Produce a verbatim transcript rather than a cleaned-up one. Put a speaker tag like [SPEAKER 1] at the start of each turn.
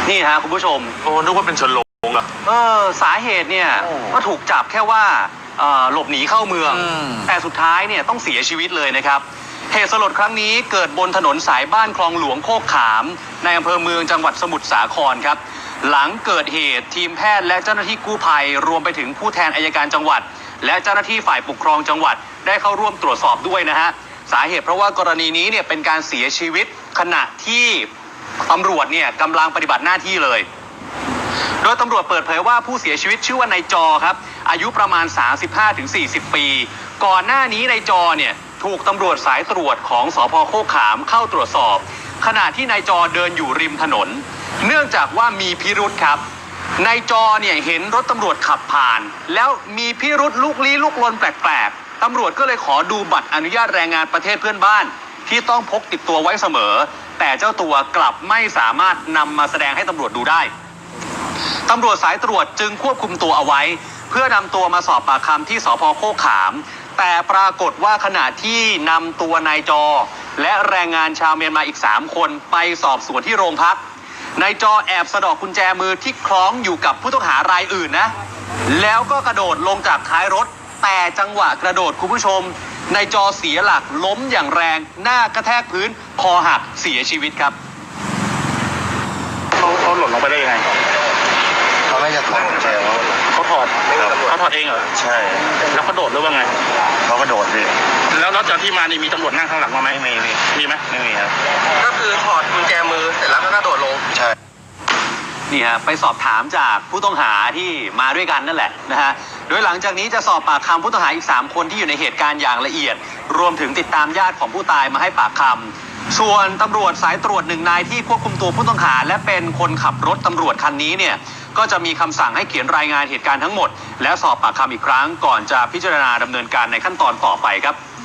[SPEAKER 1] นี่ฮะคุณผู้ชม
[SPEAKER 2] โอ้นึกว่าเป็นชนโลงอะ
[SPEAKER 1] เออสาเหตุเนี่ยก็ถูกจับแค่ว่าหลบหนีเข้าเมืองแต่สุดท้ายเนี่ยต้องเสียชีวิตเลยนะครับเหตุสลดครั้งนี้เกิดบนถนนสายบ้านคลองหลวงโคกขามในอำเภอเมืองจังหวัดสมุทรสาครครับหลังเกิดเหตุทีมแพทย์และเจ้าหน้าที่กู้ภัยรวมไปถึงผู้แทนอัยการจังหวัดและเจ้าหน้าที่ฝ่ายปกครองจังหวัดได้เข้าร่วมตรวจสอบด้วยนะฮะสาเหตุเพราะว่ากรณีนี้เนี่ยเป็นการเสียชีวิตขณะที่ตำรวจเนี่ยกำลังปฏิบัติหน้าที่เลยโดยตำรวจเปิดเผยว่าผู้เสียชีวิตชื่อว่านายจอครับอายุประมาณ สามสิบห้าถึงสี่สิบ ปีก่อนหน้านี้นายจอเนี่ยถูกตำรวจสายตรวจของสภ.โคกขามเข้าตรวจสอบขณะที่นายจอเดินอยู่ริมถนนเนื่องจากว่ามีพิรุธครับนายจอเนี่ยเห็นรถตำรวจขับผ่านแล้วมีพิรุธลุกลี้ลุกลนแปลกๆตำรวจก็เลยขอดูบัตรอนุญาตแรงงานประเทศเพื่อนบ้านที่ต้องพกติดตัวไว้เสมอแต่เจ้าตัวกลับไม่สามารถนำมาแสดงให้ตำรวจดูได้ตำรวจสายตรวจจึงควบคุมตัวเอาไว้เพื่อนำตัวมาสอบปากคำที่สภ.โคกขามแต่ปรากฏว่าขณะที่นำตัวนายจอและแรงงานชาวเมียนมาอีกสามคนไปสอบสวนที่โรงพักนายจอแอบสะดอกกุญแจมือที่คล้องอยู่กับผู้ต้องหารายอื่นนะแล้วก็กระโดดลงจากท้ายรถแต่จังหวะกระโดดคุณผู้ชมนายจอเสียหลักล้มอย่างแรงหน้ากระแทกพื้นคอหักเสียชีวิตครับ
[SPEAKER 2] เขาเขาหล่นลงไปได้ยังไง
[SPEAKER 3] เขาไม่จะถอดกุญแจ
[SPEAKER 2] เขาถอดเขาถอดเองเหรอ
[SPEAKER 3] ใช่
[SPEAKER 2] แล้วเขาโดดหรือว่าไง
[SPEAKER 3] เขาก็โดดดิ
[SPEAKER 2] แล้วนอกจากที่มานี่มีตำรวจนั่งข้างหลังมาไหม
[SPEAKER 3] ไม่มี
[SPEAKER 2] มีไหม
[SPEAKER 3] ไม่มีครับ
[SPEAKER 4] ก็คือถอดกุญแจมือเสร็จแล้วก็กระโดดลง
[SPEAKER 3] ใช่
[SPEAKER 1] นี่ฮะไปสอบถามจากผู้ต้องหาที่มาด้วยกันนั่นแหละนะฮะโดยหลังจากนี้จะสอบปากคำผู้ต้องหาอีกสามคนที่อยู่ในเหตุการณ์อย่างละเอียดรวมถึงติดตามญาติของผู้ตายมาให้ปากคำส่วนตำรวจสายตรวจหนึ่งนายที่ควบคุมตัวผู้ต้องหาและเป็นคนขับรถตำรวจคันนี้เนี่ยก็จะมีคำสั่งให้เขียนรายงานเหตุการณ์ทั้งหมดและสอบปากคำอีกครั้งก่อนจะพิจารณาดำเนินการในขั้นตอนต่อไปครับ